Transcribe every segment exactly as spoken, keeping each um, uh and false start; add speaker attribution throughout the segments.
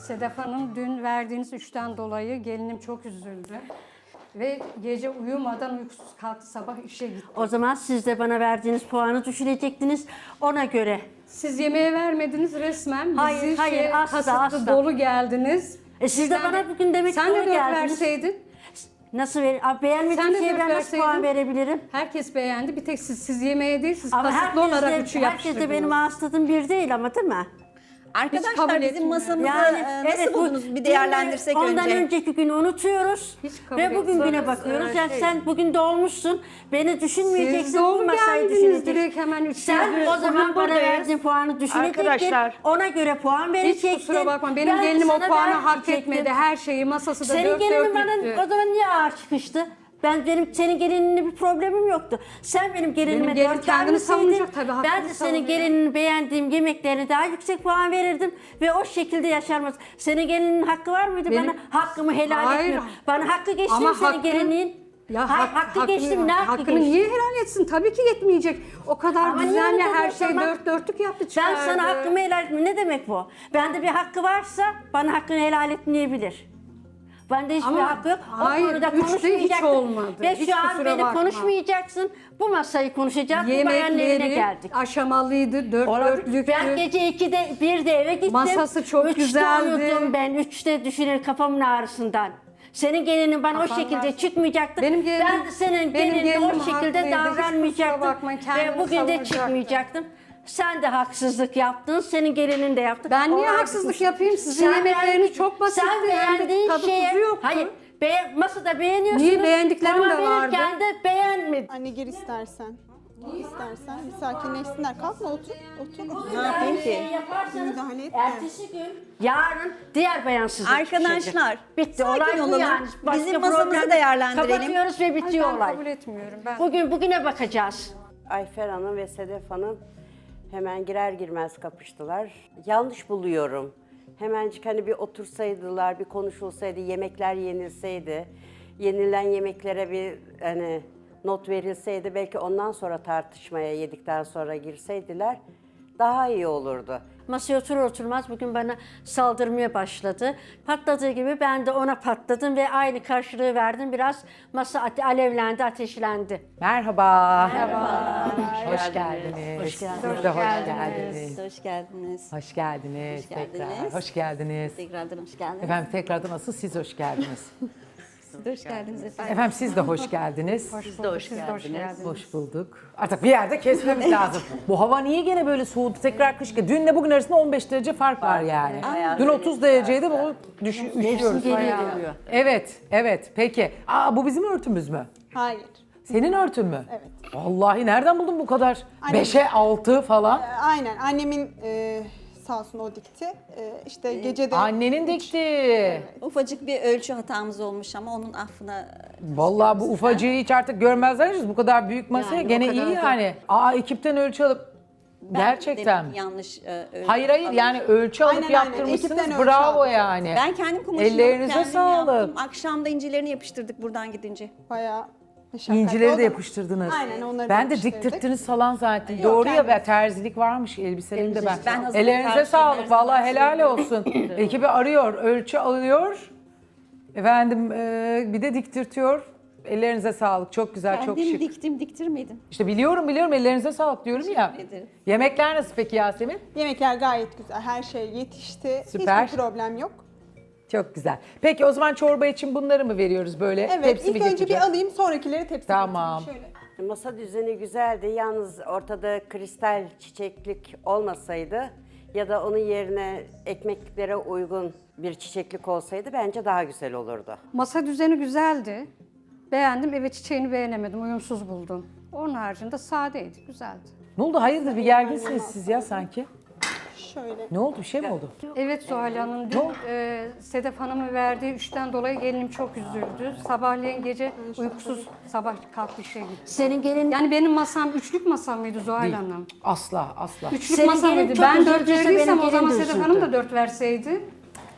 Speaker 1: Sedef Hanım, dün verdiğiniz üçten dolayı gelinim çok üzüldü. Ve gece uyumadan uykusuz kalktı, sabah işe gitti.
Speaker 2: O zaman siz de bana verdiğiniz puanı düşürecektiniz. Ona göre.
Speaker 1: Siz yemeğe vermediniz resmen. Bizi
Speaker 2: Hayır, hayır,
Speaker 1: şey,
Speaker 2: asla,
Speaker 1: kasıtlı
Speaker 2: asla.
Speaker 1: dolu geldiniz.
Speaker 2: E siz de
Speaker 1: Sen
Speaker 2: bana bugün demek ki
Speaker 1: Sen de
Speaker 2: doğru
Speaker 1: dört
Speaker 2: geldiniz.
Speaker 1: verseydin.
Speaker 2: Nasıl ver? Abi
Speaker 1: Sen
Speaker 2: beğenmediğim
Speaker 1: de
Speaker 2: şeye
Speaker 1: dört
Speaker 2: ben nasıl
Speaker 1: verseydin.
Speaker 2: puan verebilirim?
Speaker 1: Herkes beğendi. Bir tek siz, siz yemeğe değil, siz
Speaker 2: Ama
Speaker 1: kasıtlı olarak
Speaker 2: herkes
Speaker 1: üçü
Speaker 2: de, herkes de
Speaker 1: yapıştırdınız.
Speaker 2: benim ağız tadım bir değil ama değil mi?
Speaker 1: kabul
Speaker 3: Arkadaşlar bizim
Speaker 1: etmiyorum.
Speaker 3: masamızı
Speaker 2: Yani
Speaker 3: e, nasıl
Speaker 2: evet, bu-
Speaker 3: buldunuz? Bir değerlendirsek
Speaker 2: ondan
Speaker 3: önce.
Speaker 2: önceki günü unutuyoruz
Speaker 1: Hiç kabul
Speaker 2: ve bugün güne
Speaker 1: etmiyoruz.
Speaker 2: bakıyoruz.
Speaker 1: Ee,
Speaker 2: yani
Speaker 1: şey-
Speaker 2: sen bugün dolmuşsun, beni düşünmeyeceksin,
Speaker 1: Siz dolu
Speaker 2: bu masayı
Speaker 1: geldiniz
Speaker 2: düşüneceksin.
Speaker 1: direkt hemen üçe.
Speaker 2: Sen o zaman
Speaker 1: Bugün
Speaker 2: bana
Speaker 1: buradayız.
Speaker 2: verdiğin puanı düşünecektin,
Speaker 4: Arkadaşlar,
Speaker 2: ona göre puan verecektin.
Speaker 1: Hiç kusura bakma, benim
Speaker 2: Ben
Speaker 1: gelinim o
Speaker 2: sana
Speaker 1: puanı hak
Speaker 2: vermeyecektim.
Speaker 1: etmedi. Her şeyi, masası da
Speaker 2: Senin
Speaker 1: dört
Speaker 2: gelinin bana
Speaker 1: dörtlüktü.
Speaker 2: o zaman niye ağır çıkıştı? Ben benim senin gelininle bir problemim yoktu. Sen benim gelinime
Speaker 1: Benim gelin
Speaker 2: dört
Speaker 1: kendini
Speaker 2: vermeseydin,
Speaker 1: savunacak tabii, hakkını
Speaker 2: ben de senin
Speaker 1: savunuyor.
Speaker 2: gelinini beğendiğim yemeklerine daha yüksek puan verirdim ve o şekilde yaşarmaz. Senin gelinin hakkı var mıydı
Speaker 1: Benim-
Speaker 2: bana? Hakkımı helal
Speaker 1: Hayır.
Speaker 2: etmiyorum. Bana hakkı geçti
Speaker 1: Ama
Speaker 2: mi senin
Speaker 1: hakkı-
Speaker 2: gelinin?
Speaker 1: Ya
Speaker 2: Hayır,
Speaker 1: hak-
Speaker 2: hakkı
Speaker 1: hakkını-
Speaker 2: geçti mi? Ne hakkı
Speaker 1: hakkını
Speaker 2: geçti?
Speaker 1: niye helal etsin? Tabii ki yetmeyecek. O kadar
Speaker 2: Ama niye
Speaker 1: düzenli
Speaker 2: öyle
Speaker 1: her
Speaker 2: dedi o
Speaker 1: şey
Speaker 2: zaman?
Speaker 1: dört dörtlük yaptı
Speaker 2: Ben
Speaker 1: çıkardı.
Speaker 2: sana hakkımı helal etmiyorum. Ne demek bu? Bende bir hakkı varsa bana hakkını helal etmeyebilir. Bende hiçbir
Speaker 1: Ama
Speaker 2: hakkı yok.
Speaker 1: hayır,
Speaker 2: O konuda
Speaker 1: üçte hiç
Speaker 2: konuşmayacaksın.
Speaker 1: olmadı.
Speaker 2: Ve
Speaker 1: Hiç
Speaker 2: şu an
Speaker 1: kusura
Speaker 2: beni
Speaker 1: bakma.
Speaker 2: konuşmayacaksın. Bu masayı konuşacağız. Bu bayanın evine
Speaker 1: Yemekleri
Speaker 2: geldik.
Speaker 1: aşamalıydı, dört
Speaker 2: Olabilir.
Speaker 1: dörtlüktü.
Speaker 2: Ben gece ikide birde eve gittim.
Speaker 1: Masası çok
Speaker 2: Üçte
Speaker 1: güzeldi.
Speaker 2: uyudum ben. Üçte düşünür kafamın ağrısından. Senin gelinin bana o
Speaker 1: Kafan
Speaker 2: şekilde
Speaker 1: ağrısı.
Speaker 2: çıkmayacaktı.
Speaker 1: Benim gelinim-
Speaker 2: ben de senin
Speaker 1: benim
Speaker 2: gelinine
Speaker 1: gelinim
Speaker 2: o şekilde
Speaker 1: haklıydı. Hiç kusura
Speaker 2: davranmayacaktım.
Speaker 1: bakmayın,
Speaker 2: Ve
Speaker 1: kendini
Speaker 2: bugün de
Speaker 1: savunacaktı.
Speaker 2: çıkmayacaktım. Sen de haksızlık yaptın. Senin gelinin de yaptı.
Speaker 1: Ben niye
Speaker 2: O
Speaker 1: haksızlık
Speaker 2: haksızlık.
Speaker 1: yapayım? Sizin
Speaker 2: Sen
Speaker 1: yemekleriniz
Speaker 2: beğendin-
Speaker 1: çok basitti.
Speaker 2: Sen
Speaker 1: Hem de
Speaker 2: beğendiğin
Speaker 1: tadı
Speaker 2: şeye...
Speaker 1: tuzu yoktu.
Speaker 2: Hayır. Be masada beğeniyorsunuz.
Speaker 1: Niye beğendiklerim
Speaker 2: puan
Speaker 1: de vardı.
Speaker 2: verirken de beğenmedin.
Speaker 5: Anne gir istersen. Gir istersen. Bir sakinleşsinler. Kalkma otur. Otur.
Speaker 3: Ne yapayım ki?
Speaker 2: Yaparsanız
Speaker 5: Müdahale etme.
Speaker 2: ertesi gün, yarın diğer bayansızlık
Speaker 3: Arkadaşlar,
Speaker 2: çıkacak. Bitti.
Speaker 3: sakin
Speaker 2: Olay bu
Speaker 3: olalım.
Speaker 2: yani. Başka
Speaker 3: Bizim masamızı
Speaker 2: problem yok.
Speaker 3: değerlendirelim.
Speaker 2: Kapatıyoruz ve
Speaker 1: Ay,
Speaker 2: bitiyor
Speaker 1: ben
Speaker 2: olay.
Speaker 1: kabul etmiyorum. Ben.
Speaker 2: Bugün bugüne bakacağız.
Speaker 4: Ayfer Hanım ve Sedef Hanım hemen girer girmez kapıştılar. Yanlış buluyorum. Hemencik hani bir otursaydılar, bir konuşulsaydı, yemekler yenilseydi, yenilen yemeklere bir hani not verilseydi, belki ondan sonra tartışmaya yedikten sonra girseydiler daha iyi olurdu.
Speaker 2: Masaya oturur oturmaz bugün bana saldırmaya başladı. Patladığı gibi ben de ona patladım ve aynı karşılığı verdim. Biraz masa ate- alevlendi, ateşlendi.
Speaker 6: Merhaba. Merhaba. Hoş geldiniz.
Speaker 2: Hoş geldiniz.
Speaker 6: Siz de hoş geldiniz.
Speaker 3: Hoş geldiniz.
Speaker 6: Hoş geldiniz.
Speaker 3: Hoş
Speaker 6: Tekrar.
Speaker 3: geldiniz.
Speaker 6: Hoş geldiniz.
Speaker 3: Tekrardan hoş geldiniz.
Speaker 6: Efendim tekrardan asıl siz hoş geldiniz.
Speaker 3: Siz de hoş geldiniz efendim.
Speaker 6: Efendim siz de hoş geldiniz.
Speaker 3: Siz de hoş
Speaker 1: Siz de hoş
Speaker 3: geldiniz.
Speaker 1: geldiniz.
Speaker 6: Hoş bulduk. Artık bir yerde kesmemiz lazım. Bu hava niye gene böyle soğudu? Tekrar kış. Dünle bugün arasında on beş derece fark var yani. Dün otuz dereceydi, bu düşü, üşüyoruz.
Speaker 2: geliyor,
Speaker 6: bayağı.
Speaker 2: geliyor.
Speaker 6: Evet, evet. Peki. Aa, bu bizim örtümüz mü?
Speaker 5: Hayır.
Speaker 6: Senin örtün mü?
Speaker 5: Evet.
Speaker 6: Vallahi nereden buldun bu kadar?
Speaker 5: Annem-
Speaker 6: Beşe altı falan.
Speaker 5: Ee, Aynen. Annemin e, sağ olsun o dikti. E, işte gece de...
Speaker 6: Annenin dikti.
Speaker 3: Ufacık bir ölçü hatamız olmuş ama onun affına...
Speaker 6: Vallahi bu ufacığı hiç artık görmezler. Bu kadar büyük masaya
Speaker 2: Yani o
Speaker 6: gene
Speaker 2: kadar
Speaker 6: iyi
Speaker 2: da-
Speaker 6: yani. Aa, ekipten ölçü alıp
Speaker 3: Ben
Speaker 6: gerçekten mi?
Speaker 3: demek yanlış e, ölçü
Speaker 6: Hayır hayır
Speaker 3: almış.
Speaker 6: yani ölçü alıp
Speaker 5: Aynen, aynen.
Speaker 6: yaptırmışsınız.
Speaker 5: Ekipten ölçü
Speaker 6: Bravo
Speaker 5: aldım.
Speaker 6: yani.
Speaker 3: Ben kendim kumaşımı
Speaker 6: Ellerinize
Speaker 3: kendim
Speaker 6: sağlık.
Speaker 3: yaptım. Akşam da incilerini yapıştırdık buradan gidince.
Speaker 5: Bayağı meşakkatli
Speaker 6: İncileri
Speaker 5: oldu
Speaker 6: de
Speaker 5: ama-
Speaker 6: yapıştırdınız.
Speaker 5: Aynen, onları da
Speaker 6: Ben de
Speaker 5: yapıştırdık.
Speaker 6: diktirttiniz falan zaten.
Speaker 5: Yok,
Speaker 6: Doğru ya,
Speaker 5: kendim.
Speaker 6: be, terzilik varmış elbiselerimde ben.
Speaker 3: Ben hazırlık
Speaker 6: Ellerinize
Speaker 3: karşıyım, her
Speaker 6: sağlık.
Speaker 3: zaman
Speaker 6: Vallahi helal
Speaker 3: söylüyorum.
Speaker 6: olsun. Ekibi arıyor, ölçü alıyor. Efendim e, bir de diktirtiyor. Ellerinize sağlık. Çok güzel, çok
Speaker 3: Kendim
Speaker 6: şık.
Speaker 3: diktim, diktirmedim.
Speaker 6: İşte biliyorum biliyorum ellerinize sağlık diyorum ya.
Speaker 3: Teşekkür ederim.
Speaker 6: Yemekler nasıl peki Yasemin?
Speaker 5: Yemekler gayet güzel. Her şey yetişti.
Speaker 6: Süper.
Speaker 5: Hiçbir problem yok.
Speaker 6: Çok güzel. Peki o zaman çorba için bunları mı veriyoruz böyle?
Speaker 5: Evet.
Speaker 6: Tepsi
Speaker 5: ilk
Speaker 6: mi
Speaker 5: önce
Speaker 6: getireceğiz?
Speaker 5: bir alayım. Sonrakileri tepsi
Speaker 6: Tamam.
Speaker 5: getireyim. Şöyle.
Speaker 4: Masa düzeni güzeldi. Yalnız ortada kristal çiçeklik olmasaydı ya da onun yerine ekmeklere uygun bir çiçeklik olsaydı bence daha güzel olurdu.
Speaker 1: Masa düzeni güzeldi. Beğendim. Evet, çiçeğini beğenemedim. Uyumsuz buldum. Onun haricinde sadeydi. Güzeldi.
Speaker 6: Ne oldu? Hayırdır bir gerginsiniz siz ya sanki?
Speaker 5: Şöyle.
Speaker 6: Ne oldu? Bir şey mi oldu?
Speaker 1: Evet Zuhal Hanım, dün e, Sedef Hanım'ın verdiği üçten dolayı gelinim çok üzüldü. Sabahleyin gece uykusuz sabah kalktı işe gitti.
Speaker 2: Senin gelin
Speaker 1: Yani benim masam üçlük masam mıydı Zuhal
Speaker 6: Değil.
Speaker 1: Hanım?
Speaker 6: Asla asla.
Speaker 1: Üçlük
Speaker 2: Senin
Speaker 1: masam
Speaker 2: gelin
Speaker 1: mıydı?
Speaker 2: çok
Speaker 1: Ben dört
Speaker 2: üzüldüyse
Speaker 1: verdiysem
Speaker 2: benim
Speaker 1: o zaman
Speaker 2: gelin de
Speaker 1: Sedef
Speaker 2: üzüldü.
Speaker 1: Hanım da dört verseydi.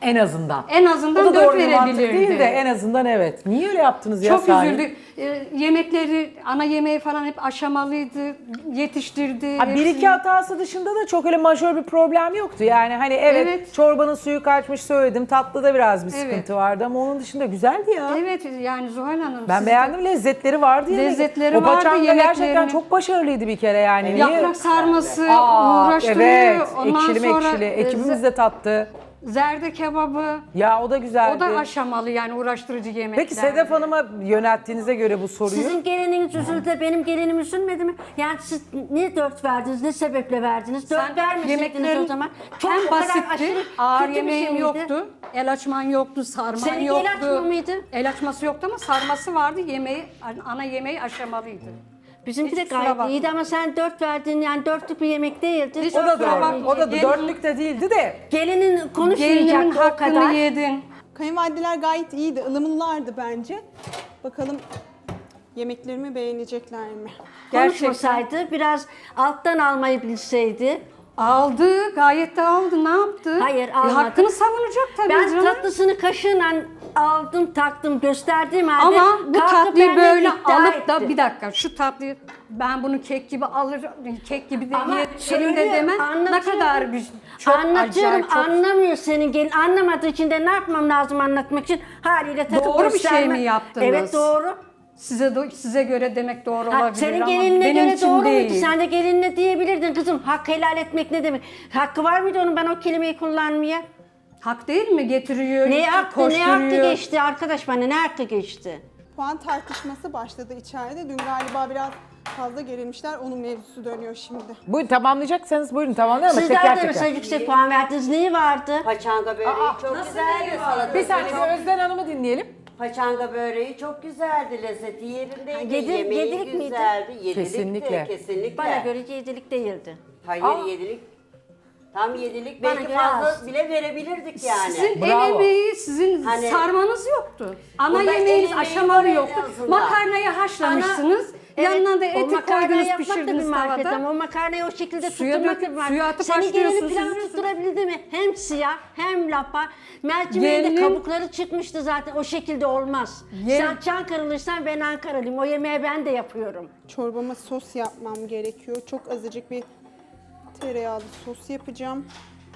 Speaker 6: En azından.
Speaker 1: En azından
Speaker 6: O da
Speaker 1: dört
Speaker 6: doğru bir mantık
Speaker 1: verebilirdi.
Speaker 6: değil de en azından evet. Niye öyle yaptınız ya
Speaker 1: Çok
Speaker 6: sahi?
Speaker 1: üzüldük. Ee, yemekleri, ana yemeği falan hep aşamalıydı, yetiştirdi.
Speaker 6: Ha, bir
Speaker 1: hepsini.
Speaker 6: iki hatası dışında da çok öyle majör bir problem yoktu. Yani hani evet,
Speaker 1: Evet.
Speaker 6: çorbanın suyu kaçmış söyledim. Tatlıda biraz bir
Speaker 1: Evet.
Speaker 6: sıkıntı vardı ama onun dışında güzeldi ya.
Speaker 1: Evet yani Zuhal Hanım.
Speaker 6: Ben
Speaker 1: siz de-
Speaker 6: beğendim, lezzetleri vardı. yemek.
Speaker 1: Lezzetleri
Speaker 6: o
Speaker 1: vardı,
Speaker 6: paçanga gerçekten
Speaker 1: yemeklerini.
Speaker 6: çok başarılıydı bir kere yani. Niye?
Speaker 1: Yaprak sarması
Speaker 6: Aa,
Speaker 1: uğraştırıyor.
Speaker 6: evet,
Speaker 1: Ondan
Speaker 6: ekşili
Speaker 1: sonra
Speaker 6: mekşili.
Speaker 1: e,
Speaker 6: Ekibimiz de tattı.
Speaker 1: zerde kebabı.
Speaker 6: Ya o da güzeldi.
Speaker 1: O da aşamalı yani uğraştırıcı yemekler.
Speaker 6: Peki Sedef Hanım'a yönelttiğinize göre bu soruyu.
Speaker 2: Sizin gelininiz üzüldü de benim gelinim üzülmedi mi? Yani siz niye dört verdiniz, ne sebeple verdiniz? Dört
Speaker 1: Sen
Speaker 2: vermeseydiniz
Speaker 1: yemeklerin
Speaker 2: o zaman. Çok
Speaker 1: hem
Speaker 2: o kadar
Speaker 1: basitti,
Speaker 2: aşırı
Speaker 1: ağır
Speaker 2: kötü bir
Speaker 1: yemeğim
Speaker 2: şey miydi?
Speaker 1: yoktu, el açman yoktu, sarman
Speaker 2: Seninki
Speaker 1: yoktu.
Speaker 2: el açma mıydı?
Speaker 1: El açması yoktu ama sarması vardı, yemeği, ana yemeği aşamalıydı.
Speaker 2: Bizimki de
Speaker 1: Hiç kusura
Speaker 2: gayet
Speaker 1: bakma.
Speaker 2: iyiydi ama sen dört verdin, yani dörtlük bir yemek değildi.
Speaker 1: Hiç
Speaker 6: O da
Speaker 1: kusura bakma.
Speaker 6: doğru. O da
Speaker 1: Gelin-
Speaker 6: dörtlük de değildi de.
Speaker 2: Gelinin
Speaker 1: Gelinimin
Speaker 2: konuşmayacaktı o
Speaker 1: hakkını
Speaker 2: kadar.
Speaker 1: yedin.
Speaker 5: Kayınvalideler gayet iyiydi, ılımlılardı bence. Bakalım yemeklerimi beğenecekler mi?
Speaker 2: Konuşmasaydı, biraz alttan almayı bilseydi.
Speaker 1: Aldı, gayet de aldı. Ne yaptı?
Speaker 2: Hayır,
Speaker 1: E,
Speaker 2: almadı.
Speaker 1: hakkını savunacak tabii
Speaker 2: Ben
Speaker 1: canım.
Speaker 2: tatlısını kaşığıyla aldım, taktım, gösterdiğim halde
Speaker 1: Ama bu
Speaker 2: kalkıp
Speaker 1: tatlıyı
Speaker 2: benden
Speaker 1: böyle
Speaker 2: iddia
Speaker 1: alıp da
Speaker 2: etti.
Speaker 1: bir dakika şu tatlıyı ben bunu kek gibi alır, kek gibi de
Speaker 2: Ama
Speaker 1: ye-
Speaker 2: söylüyor,
Speaker 1: elimde demem ne
Speaker 2: anlatıyorum.
Speaker 1: kadar güzel. Çok
Speaker 2: Anlatıyorum,
Speaker 1: acayip, çok
Speaker 2: anlamıyor senin gelin. Anlamadığı için de ne yapmam lazım anlatmak için? Haliyle takıp
Speaker 1: Doğru bir şey
Speaker 2: gösterme.
Speaker 1: mi yaptınız?
Speaker 2: Evet, doğru.
Speaker 1: size do- size göre demek doğru
Speaker 2: Ha,
Speaker 1: olabilir
Speaker 2: senin
Speaker 1: ama
Speaker 2: gelinine
Speaker 1: benim
Speaker 2: göre
Speaker 1: için
Speaker 2: doğru
Speaker 1: değil.
Speaker 2: muydu? Sen de gelinine diyebilirdin kızım. Hak helal etmek ne demek? Hakkı var mıydı onun ben o kelimeyi kullanmaya?
Speaker 1: Hak değil mi? Getiriyor,
Speaker 2: Ne hakkı, ne
Speaker 1: koşturuyor.
Speaker 2: hakkı geçti arkadaş bana, ne hakkı geçti?
Speaker 5: Puan tartışması başladı içeride. Dün galiba biraz fazla gerilmişler. Onun mevzusu dönüyor şimdi.
Speaker 6: Buyurun tamamlayacaksanız buyurun tamamlayın ama
Speaker 2: Sizler
Speaker 6: teker
Speaker 2: de
Speaker 6: teker.
Speaker 2: mesela yüksek puan verdiniz. Neyi vardı?
Speaker 4: Paçanga böreği çok güzeldi. Salata
Speaker 6: Bir saniye bir Özden Hanım'ı dinleyelim.
Speaker 4: Paçanga böreği çok güzeldi. Lezzeti yerindeydi.
Speaker 2: Yedi-
Speaker 4: Yemeği
Speaker 2: yedilik miydi?
Speaker 4: güzeldi. Yedilikti,
Speaker 6: Kesinlikle.
Speaker 4: kesinlikle.
Speaker 2: Bana göre yedilik değildi.
Speaker 4: Hayır
Speaker 6: Aa.
Speaker 4: yedilik. Tam yedilik.
Speaker 2: Bana
Speaker 4: Belki
Speaker 2: göre
Speaker 4: fazla
Speaker 2: az.
Speaker 4: bile verebilirdik yani.
Speaker 1: Sizin
Speaker 6: Bravo.
Speaker 1: el emeği, sizin
Speaker 4: Hani-
Speaker 1: sarmanız yoktu. Ana
Speaker 4: Burada el
Speaker 1: yemeğiniz
Speaker 4: emeği
Speaker 1: aşamalı
Speaker 4: var en
Speaker 1: yoktu.
Speaker 4: azından.
Speaker 1: Makarnayı haşlamışsınız. Yanına da
Speaker 2: o
Speaker 1: eti
Speaker 2: makarnayı
Speaker 1: koydunuz,
Speaker 2: yapmak da bir
Speaker 1: pişirdiniz
Speaker 2: marifet
Speaker 1: tavada.
Speaker 2: ama o makarnayı o şekilde
Speaker 1: Suya
Speaker 2: tutturmak da
Speaker 1: döküp,
Speaker 2: bir marifet.
Speaker 1: suya atıp
Speaker 2: Senin gelinin
Speaker 1: haşlıyorsunuz.
Speaker 2: pilavını tutturabildi mi? Hem siyah hem lapa. Mercimeğin de
Speaker 1: Gelin-
Speaker 2: kabukları çıkmıştı zaten. O şekilde olmaz.
Speaker 1: Gel-
Speaker 2: Sen Çankırılıysan ben Ankaralıyım. O yemeği ben de yapıyorum.
Speaker 5: Çorbama sos yapmam gerekiyor. Çok azıcık bir tereyağlı sos yapacağım.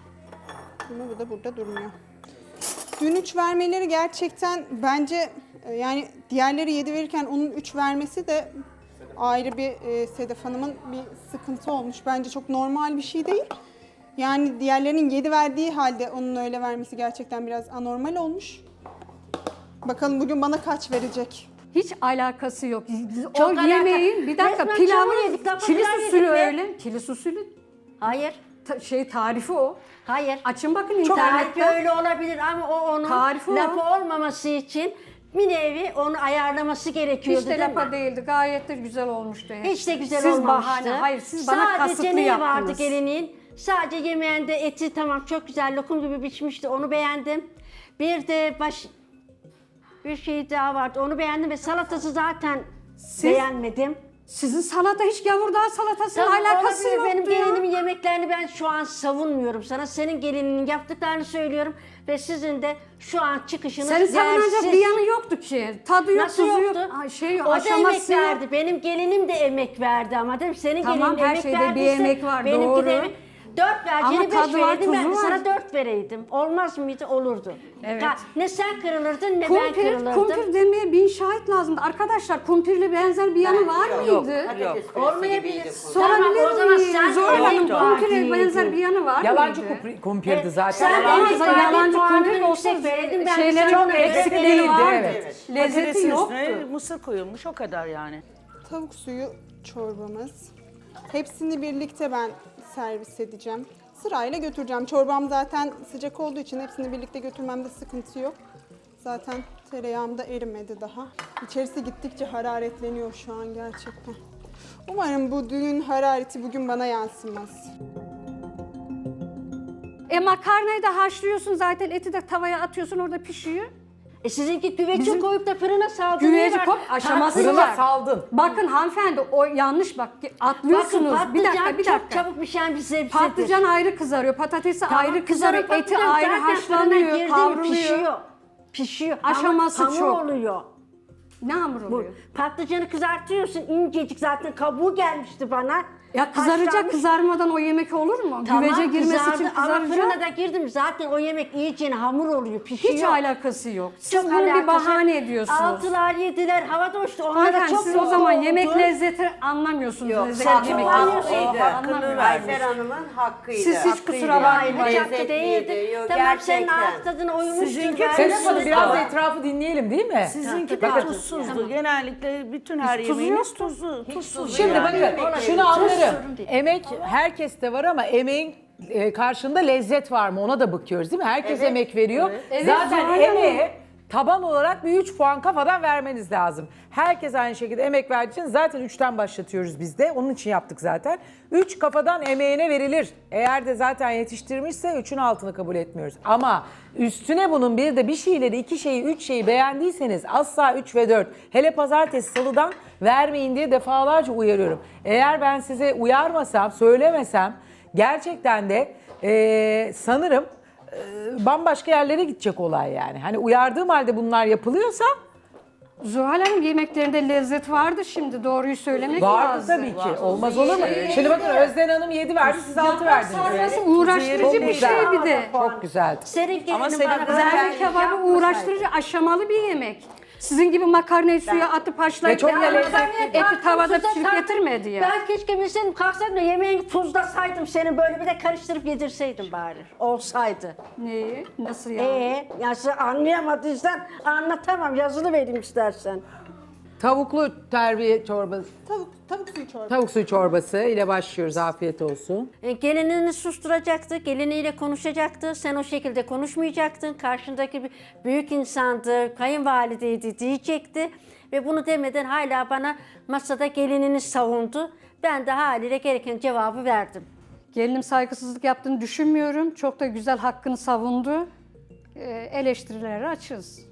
Speaker 5: Ama bu da burada durmuyor. Dün üç vermeleri gerçekten bence e, yani diğerleri yedi verirken onun üç vermesi de ayrı bir e, Sedef Hanım'ın bir sıkıntı olmuş. Bence çok normal bir şey değil. Yani diğerlerinin yedi verdiği halde onun öyle vermesi gerçekten biraz anormal olmuş. Bakalım bugün bana kaç verecek?
Speaker 1: Hiç alakası yok.
Speaker 2: Çok
Speaker 1: o
Speaker 2: alaka-
Speaker 1: yemeğin bir dakika
Speaker 2: Resmen çamur
Speaker 1: pilavın
Speaker 2: yedik, lapa
Speaker 1: kilis
Speaker 2: pilav
Speaker 1: usulü
Speaker 2: yedik be.
Speaker 1: öyle. Kilis usulü
Speaker 2: Hayır.
Speaker 1: ta- şey tarifi o.
Speaker 2: Hayır.
Speaker 1: Açın bakın
Speaker 2: Tarifi
Speaker 1: internetten.
Speaker 2: öyle olabilir ama o onun
Speaker 1: Tarifi o.
Speaker 2: lapa olmaması için bir nevi onu ayarlaması gerekiyordu.
Speaker 1: Hiç de
Speaker 2: değil mi?
Speaker 1: lapa değildi. Gayet de güzel olmuştu. hepsi.
Speaker 2: Hiç de güzel
Speaker 1: siz
Speaker 2: olmamıştı.
Speaker 1: bahane. Hayır siz bana
Speaker 2: Sadece
Speaker 1: kasıtlı
Speaker 2: neyi
Speaker 1: yaptınız.
Speaker 2: vardı gelinin? Sadece yemeğinde eti tamam çok güzel lokum gibi biçmişti. Onu beğendim. Bir de baş bir şey daha vardı. Onu beğendim ve salatası zaten beğenmedim.
Speaker 1: Sizin salata hiç gavurdağ salatasının
Speaker 2: Tamam,
Speaker 1: alakası
Speaker 2: olabilir.
Speaker 1: yoktu
Speaker 2: Benim
Speaker 1: ya.
Speaker 2: gelinimin yemeklerini ben şu an savunmuyorum sana. Senin gelininin yaptıklarını söylüyorum ve sizin de şu an çıkışınız
Speaker 1: Senin savunacak
Speaker 2: yersiz.
Speaker 1: bir yanı yoktu ki. Tadı yok,
Speaker 2: Nasıl
Speaker 1: tuzu
Speaker 2: yoktu?
Speaker 1: yok. Ay, şey yok,
Speaker 2: o da emek
Speaker 1: aşaması yok.
Speaker 2: verdi. Benim gelinim de emek verdi ama değil mi? Senin
Speaker 1: Tamam,
Speaker 2: gelinin
Speaker 1: her
Speaker 2: emek
Speaker 1: şeyde bir
Speaker 2: verdiyse
Speaker 1: emek var,
Speaker 2: benimki
Speaker 1: doğru.
Speaker 2: de emek. Dört vereceğini beş
Speaker 1: tadı var,
Speaker 2: verirdim ben de
Speaker 1: tuzu var.
Speaker 2: sana dört vereydim. Olmaz mıydı? Olurdu.
Speaker 1: Evet.
Speaker 2: Ha, ne sen kırılırdın ne ben
Speaker 1: Kumpir,
Speaker 2: kırılırdım.
Speaker 1: kumpir demeye bin şahit lazımdı. Arkadaşlar kumpirle benzer bir yanı var
Speaker 4: Yok,
Speaker 1: mıydı?
Speaker 4: patates püresi
Speaker 2: Olmayabilir.
Speaker 4: gibiydi.
Speaker 1: Sorabilir
Speaker 2: Tamam, o zaman
Speaker 1: miyim?
Speaker 2: sen
Speaker 1: Zuhal Hanım
Speaker 2: emek
Speaker 1: kumpire
Speaker 2: verdin.
Speaker 1: benzer bir yanı var
Speaker 6: Yalancı
Speaker 1: mıydı?
Speaker 6: kumpir- kumpirdi
Speaker 2: Evet,
Speaker 6: zaten.
Speaker 2: sen
Speaker 6: Yalan-
Speaker 2: emek verdin,
Speaker 1: yalancı
Speaker 2: puanını
Speaker 1: kumpir olsa
Speaker 2: yüksek verdin. Ben
Speaker 1: şeylerin
Speaker 2: sana
Speaker 1: çok
Speaker 2: göre
Speaker 1: eksikleri
Speaker 2: veririm.
Speaker 1: vardı.
Speaker 6: evet.
Speaker 1: Lezzeti
Speaker 7: Patatesin
Speaker 1: yoktu.
Speaker 7: üstüne mısır koyulmuş o kadar yani.
Speaker 5: Tavuk suyu çorbamız. Hepsini birlikte ben servis edeceğim. Sırayla götüreceğim. Çorbam zaten sıcak olduğu için hepsini birlikte götürmemde sıkıntı yok. Zaten tereyağım da erimedi daha. İçerisi gittikçe hararetleniyor şu an gerçekten. Umarım bu düğün harareti bugün bana yansımaz.
Speaker 1: E makarnayı da haşlıyorsun zaten eti de tavaya atıyorsun orada pişiyor.
Speaker 2: E sizinki güveci
Speaker 1: Bizim-
Speaker 2: koyup da fırına saldın.
Speaker 1: Güveci kop aşaması
Speaker 6: Fırına
Speaker 1: var.
Speaker 6: saldın.
Speaker 1: Bakın hanımefendi o yanlış bak atlıyorsunuz.
Speaker 2: Bakın
Speaker 1: bir dakika
Speaker 2: patlıcan
Speaker 1: bir
Speaker 2: çok
Speaker 1: dakika.
Speaker 2: çabuk pişen bir sebzedir.
Speaker 1: Patlıcan ayrı kızarıyor, patatesi
Speaker 2: Tamam,
Speaker 1: ayrı kızarıyor,
Speaker 2: kızarıp
Speaker 1: eti
Speaker 2: patlıcan
Speaker 1: ayrı
Speaker 2: zaten fırına
Speaker 1: haşlanıyor,
Speaker 2: girdi mi
Speaker 1: kavruluyor.
Speaker 2: Pişiyor. Pişiyor.
Speaker 1: Aşaması
Speaker 2: hamur,
Speaker 1: çok.
Speaker 2: Hamur oluyor.
Speaker 1: Ne hamur
Speaker 2: Bu
Speaker 1: oluyor?
Speaker 2: patlıcanı kızartıyorsun incecik zaten kabuğu gelmişti bana.
Speaker 1: Ya kızaracak,
Speaker 2: Haşlanmış.
Speaker 1: kızarmadan o yemek olur mu?
Speaker 2: Tamam,
Speaker 1: Güvece girmesi
Speaker 2: kızardı
Speaker 1: için
Speaker 2: ama
Speaker 1: kızaracak.
Speaker 2: fırına da girdim zaten o yemek iyice hamur oluyor, pişiyor.
Speaker 1: Hiç alakası yok. Siz
Speaker 2: Çok
Speaker 1: bunu bir
Speaker 2: alakası-
Speaker 1: bahane ediyorsunuz.
Speaker 2: Altılar yediler havada uçtu. Onlara
Speaker 1: Hanımefendi
Speaker 2: çok
Speaker 1: siz o
Speaker 2: mutlu
Speaker 1: zaman
Speaker 2: oldu.
Speaker 1: yemek lezzeti anlamıyorsunuz.
Speaker 4: Yok,
Speaker 1: lezzet
Speaker 2: sen
Speaker 1: yemek
Speaker 2: çok anlıyorsun.
Speaker 4: hakkıydı.
Speaker 1: Anlamıyorsunuz.
Speaker 4: Ayfer Hanım'ın hakkıydı.
Speaker 1: Siz hiç kusura
Speaker 2: Hayır,
Speaker 1: bakmayın.
Speaker 2: hiç hakkı
Speaker 4: Lezzetliydi.
Speaker 2: değildi.
Speaker 4: Yok,
Speaker 2: Tamam senin
Speaker 4: gerçekten.
Speaker 2: ağız tadına uymuştur.
Speaker 7: Sizinki
Speaker 2: ben de
Speaker 6: Sedef Hanım
Speaker 2: bunu-
Speaker 6: biraz da etrafı dinleyelim değil mi?
Speaker 7: Sizinki de
Speaker 6: Bakın.
Speaker 7: tuzsuzdu. Genellikle bütün her
Speaker 1: tuzu
Speaker 7: yemeğiniz
Speaker 1: yoktu.
Speaker 7: tuzlu. Tuzsuz.
Speaker 6: Şimdi
Speaker 7: yani.
Speaker 6: bakın şunu anlarım.
Speaker 2: sorun değil.
Speaker 6: Emek herkeste var ama emeğin e, karşında lezzet var mı ona da bakıyoruz değil mi? Herkes emek veriyor.
Speaker 1: Evet,
Speaker 6: Zaten
Speaker 1: Zuhal Hanım.
Speaker 6: emeğe taban olarak bir üç puan kafadan vermeniz lazım. Herkes aynı şekilde emek verdiği için zaten üçten başlatıyoruz biz de. Onun için yaptık zaten. üç kafadan emeğine verilir. Eğer de zaten yetiştirmişse üçün altını kabul etmiyoruz. Ama üstüne bunun bir de bir şeyleri, iki şeyi, üç şeyi beğendiyseniz asla üç ve dört. Hele pazartesi, salıdan vermeyin diye defalarca uyarıyorum. Eğer ben size uyarmasam, söylemesem gerçekten de eee, sanırım eee, bambaşka yerlere gidecek olay yani. Hani uyardığım halde bunlar yapılıyorsa
Speaker 1: Zuhal Hanım yemeklerinde lezzet vardı şimdi doğruyu söylemek
Speaker 6: vardı
Speaker 1: lazım.
Speaker 6: tabii ki. Olmaz olur mu? Şimdi bakın Özden Hanım yedi verdi, siz altı verdiniz.
Speaker 1: Sarması uğraştırıcı bir şey bir de.
Speaker 6: Çok güzeldi.
Speaker 2: Senin gelinin
Speaker 7: Ama Sedef
Speaker 2: bana
Speaker 7: Hanım
Speaker 2: böyle
Speaker 1: Zerre
Speaker 2: bir
Speaker 1: kebabı
Speaker 2: yapmasaydı.
Speaker 1: uğraştırıcı aşamalı bir yemek. Sizin gibi makarnayı suya atıp haşlayıp
Speaker 6: çok da
Speaker 1: yanına
Speaker 6: lezzetli.
Speaker 1: eti tavada
Speaker 2: Tuza
Speaker 1: pişirip
Speaker 2: tartım.
Speaker 1: getirmedi ya.
Speaker 2: Ben keşke bilseydim kalksaydım da yemeğini tuzlasaydım senin böyle bir de karıştırıp yedirseydim bari. Olsaydı.
Speaker 1: Neyi? Nasıl ya?
Speaker 2: Ee, ya sen anlayamadıysan anlatamam. Yazılı vereyim istersen.
Speaker 6: Tavuklu terbiye çorbası,
Speaker 5: Tavuk, tavuk suyu çorbası.
Speaker 6: tavuk suyu çorbası ile başlıyoruz. Afiyet olsun.
Speaker 2: E, gelinini susturacaktı, geliniyle konuşacaktı. Sen o şekilde konuşmayacaktın. Karşındaki bir büyük insandı, kayınvalideydi diyecekti. Ve bunu demeden hala bana masada gelinini savundu. Ben de haliyle gereken cevabı verdim.
Speaker 1: Gelinim saygısızlık yaptığını düşünmüyorum. Çok da güzel hakkını savundu. Ee, eleştirilere açız.